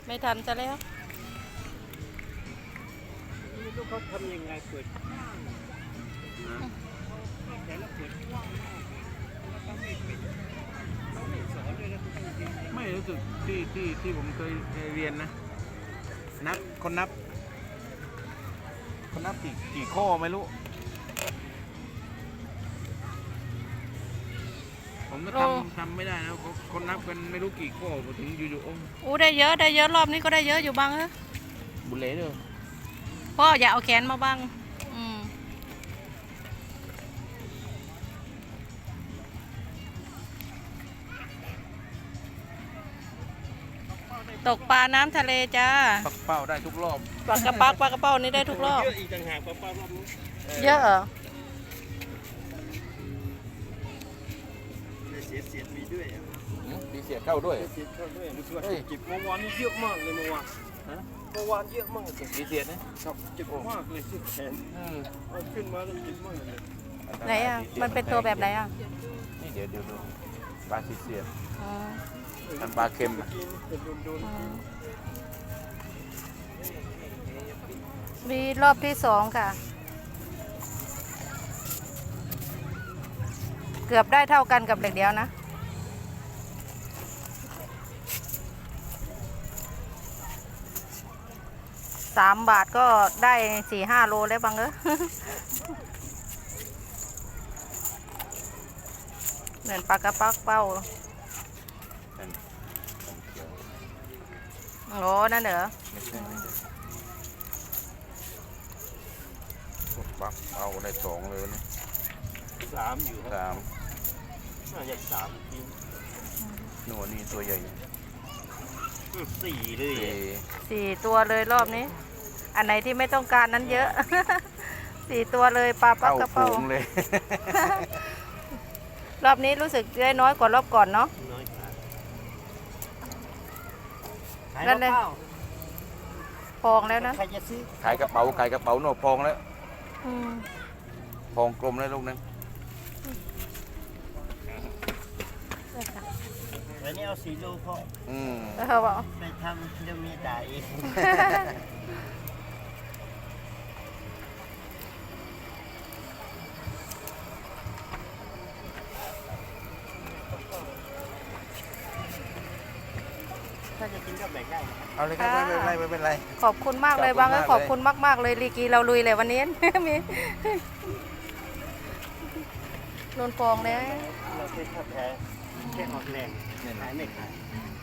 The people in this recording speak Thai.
ไม่ทันจะแล้วไม่รู้เขาทำยังไงเปิดแต่ละเปิดกว้างมากแล้วก็ไม่เป็นเขาไม่สอนเลยนะไม่รู้สึกที่ผมเคยเรียนนะคนนับกี่ข้อไม่รู้ผมก็ทำไม่ได้นะคนนับกันไม่รู้กี่ข้อพอถึงอยู่ๆอู้ได้เยอะรอบนี้ก็ได้เยอะอยู่บ้างเออบุเล่เด้อพ่ออย่าเอาแขนมาบ้างตกปลาน้ำทะเลจ้าปักเป้าได้ทุกรอบปลากระเป้านี่ได้ทุกรอบเยอะอีกต่างหากป้ารอบนี้เยอะเหรอเสียดมีด้วยมีเสียเข้าด้วยเสียดเข้าด้วยมันช่วยเก็บเมื่อวานนี่เยอะมากเลยเมื่อวานเมื่อวานเยอะมากเลยมีเสียนะครับเจ็บมากเลยที่แขนขึ้นมาแล้วเจ็บมากเลยไหนอ่ะมันเป็นตัวแบบไหนอ่ะนี่เดี๋ยวดูปลาเสียมันปลาเค็มมีรอบที่2ค่ะเกือบได้เท่ากันกับเหล็กเดียวนะ3 บาทก็ได้ 4-5 โลแล้วบังเหมือนปลากระปักเป้าโอ้นั่นเหรอปักเอาได้2เลยนะ 3อยู่ 3 น่าจะ3ทีหนูนี่ตัวใหญ่ 4เลย 4 ตัวเลยรอบนี้อันไหนที่ไม่ต้องการนั้นเยอะ4 ตัวเลยปลาปักกระเป๋าเลยรอบนี้รู้สึกได้น้อยกว่ารอบก่อนเนาะนั่นเลยพองแล้วนะใครจะซื้อขายกระเป๋าหนูพองแล้วพองกลมแล้วลูกนึงแล้วนี่เอา4 โลพอไปทำจะมีได้ถ้าจะกินก็แบ่งได้เอาเลยครับไม่เป็นไรขอบคุณมากเลยบางขอบคุณมากเลยลีกีเราลุยเลยวันนี้มีนนฟองเลยเราเป็นทับแท้แค่ออกแรงขายไม่ขาย